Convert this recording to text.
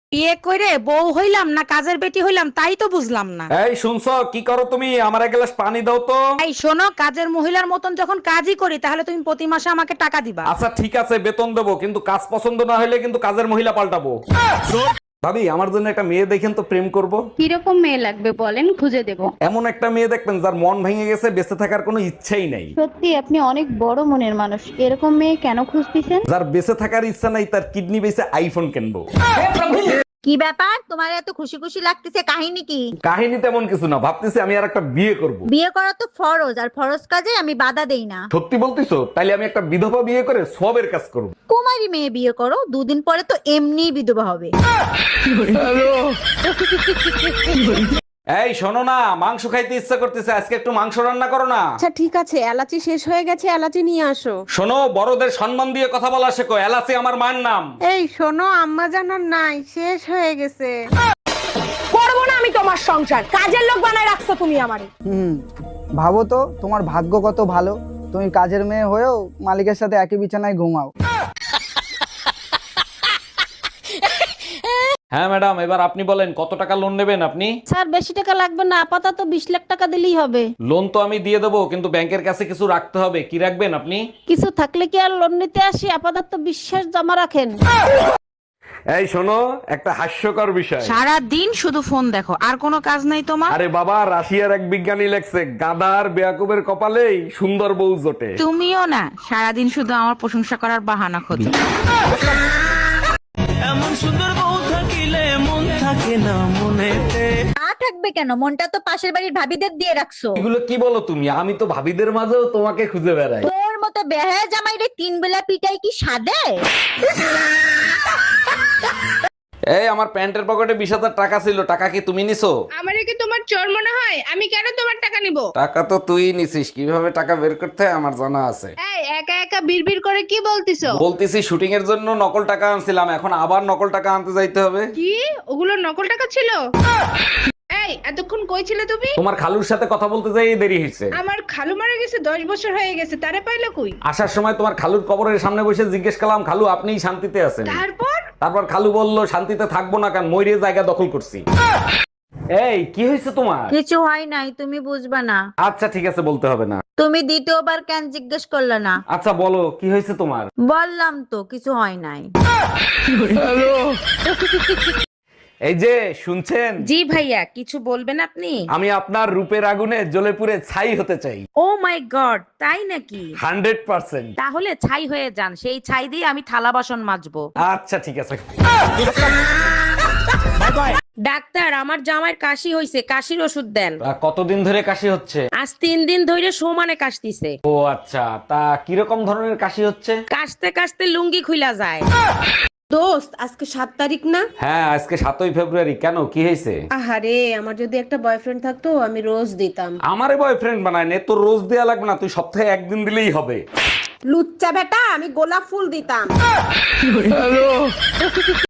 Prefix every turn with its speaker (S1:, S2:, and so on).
S1: বিয়ে করে বউ হইলাম না কাজের বেটি হইলাম তাই তো বুঝলাম না।
S2: এই শুনছো, কি করো তুমি? আমার এক গ্লাস পানি দাও তো।
S1: এই শোনো, কাজের মহিলার মতন যখন কাজই করি তাহলে তুমি প্রতি মাসে আমাকে টাকা দিবা।
S2: আচ্ছা ঠিক আছে, বেতন দেবো, কিন্তু কাজ পছন্দ না হলে কিন্তু কাজের মহিলা পাল্টাবো। ভাবি, আমার জন্য একটা মেয়ে দেখেন তো, প্রেম করব।
S3: কিরকম মেয়ে লাগবে বলেন, খুঁজে দেব।
S2: এমন একটা মেয়ে দেখবেন যার মন ভেঙে গেছে, বেঁচে থাকার কোনো ইচ্ছাই নাই।
S3: সত্যি আপনি অনেক বড় মনের মানুষ, এরকম মেয়ে কেন খুঁজতেছেন?
S2: যার বেঁচে থাকার ইচ্ছা নাই, তার কিডনি বেঁচে আইফোন কিনবো।
S4: কি ব্যাপার, তোমার এত খুশি খুশি লাগতেছে, কাহিনী কি?
S2: কাহিনী তেমন কিছু না, ভাবতেছি আমি আর একটা বিয়ে করব।
S4: বিয়ে করা তো ফরজ, আর ফরজ কাজে আমি বাধা দেই না।
S2: সত্যি বলতিছো? তাইলে আমি একটা বিধবা বিয়ে করে সবের কাজ করব।
S4: কুমারী মেয়ে বিয়ে করো, দুদিন পরে তো এমনিই বিধবা হবে।
S2: এই শোনো না, মাংস খাইতে ইচ্ছা করতেছে, আজকে একটু মাংস রান্না করো না।
S5: আচ্ছা ঠিক আছে, এলাচি শেষ হয়ে গেছে, এলাচি নিয়ে আসো।
S2: শোনো, বড়দের সম্মান দিয়ে কথা বলা শেখো, এলাচি আমার মায়ের নাম।
S5: এই শোনো, আম্মা জানার নাই, শেষ হয়ে গেছে।
S1: করবো না আমি তোমার সংসার, কাজের লোক বানায় রাখছো তুমি আমারে।
S6: ভাবো তো তোমার ভাগ্য কত ভালো, তুমি কাজের মেয়ে হয়েও মালিকের সাথে একই বিছানায় ঘুমাও।
S2: হ্যাঁ ম্যাডাম, এবার আপনি বলেন কত টাকা লোন নেবেন আপনি?
S5: স্যার বেশি টাকা লাগবে না, আপাতত 20 লাখ টাকা দিলেই হবে।
S2: লোন তো আমি দিয়ে দেবো, কিন্তু ব্যাংকের কাছে কিছু রাখতে হবে। কি রাখবেন আপনি?
S5: কিছু থাকলে কি আর লোন নিতে আসি, আপাতত বিশ্বাস জমা রাখেন।
S2: এই শোনো, একটা হাস্যকর বিষয়।
S1: সারা দিন শুধু ফোন দেখো, আর কোনো কাজ নাই তোমার?
S2: আরে বাবা, রাশিয়ার এক বিজ্ঞানী লেখছে, গাধার বেয়াকুবের কপালেই সুন্দর বউ জোটে।
S1: তুমিও না, সারাদিন শুধু আমার প্রশংসা করার বাহানা খোঁজো।
S7: এমন সুন্দর বউ থাকিলে মন থাকে না মনেতে।
S4: না থাকবে কেন, মনটা তো পাশের বাড়ির ভাবিদের দিয়ে রাখছো।
S2: এগুলো কি বলো তুমি? আমি তো ভাবিদের মাঝেও তোমাকে খুঁজে বেড়াই।
S4: তোর মতো বেহায়া জামাইরে 3 বেলা পিটাই কি সাদে?
S2: এই আমার প্যান্টের পকেটে 20,000 টাকা ছিল, টাকা কি তুমি নিছো?
S8: আমারে কি তোমার চোর মনে হয়? আমি কেন তোমার টাকা নিব?
S2: টাকা তো তুই নিছিস, কিভাবে টাকা বের করতে হয় আমার জানা আছে।
S8: এই একা একা বিড়বিড় করে কি বলতিছো?
S2: বলতেছি শুটিং এর জন্য নকল টাকা আনছিলাম, এখন আবার নকল টাকা আনতে যাইতে হবে।
S8: কি ওগুলো নকল টাকা ছিল? এই এতক্ষণ কই ছিলে তুমি?
S2: তোমার খালুর সাথে কথা বলতে যাই দেরি হয়েছে।
S8: আমার খালু মারা গেছে, 10 বছর হয়ে গেছে, তারে পাইলো কই?
S2: আসার সময় তোমার খালুর কবরের সামনে বসে জিজ্ঞেস করলাম, খালু আপনিই শান্তিতে আছেন? তারপর খালু বলল, শান্তিতে থাকবো না, কারণ ময়ূরের জায়গা দখল করছি। এই কি হয়েছে তোমার?
S4: কিছু হয় নাই, তুমি বুঝবা না।
S2: আচ্ছা ঠিক আছে, বলতে হবে না।
S4: তুমি দ্বিতীয়বার কেন জিজ্ঞেস করলে না?
S2: আচ্ছা বলো, কি হয়েছে তোমার?
S4: বললাম তো কিছু হয় নাই।
S2: এই যে শুনছেন,
S1: জি ভাইয়া, কিছু বলবেন আপনি?
S2: আমি আপনার রূপের আগুনে জ্বলে পুড়ে ছাই হতে চাই।
S1: ও মাই গড, তাই নাকি?
S2: 100%।
S1: তাহলে ছাই হয়ে যান, সেই ছাই দিয়ে আমি থালা বাসন মাজবো।
S2: আচ্ছা ঠিক আছে।
S1: ডাক্তার, আমার জামাইয়ের কাশি হইছে, কাশির ওষুধ দেন।
S2: কতদিন ধরে কাশি হচ্ছে?
S1: আজ 3 দিন ধরে সমানে কাশতিছে।
S2: ও আচ্ছা, তা কিরকম ধরনের কাশি হচ্ছে?
S1: কাশতে কাশতে লুঙ্গি খুইলা যায়।
S5: দোস্ত, আজকে 7 তারিখ না?
S2: হ্যাঁ, আজকে 7ই ফেব্রুয়ারি। কেন, কি হয়েছে?
S5: আহারে, আমার যদি একটা বয়ফ্রেন্ড থাকতো আমি রোজ দিতাম।
S2: আমারে বয়ফ্রেন্ড বানায় নে, তোর রোজ দেয়া লাগবে না, তুই সপ্তাহে একদিন দিলেই হবে।
S5: লুচ্চা বেটা, আমি গোলাপ ফুল দিতাম।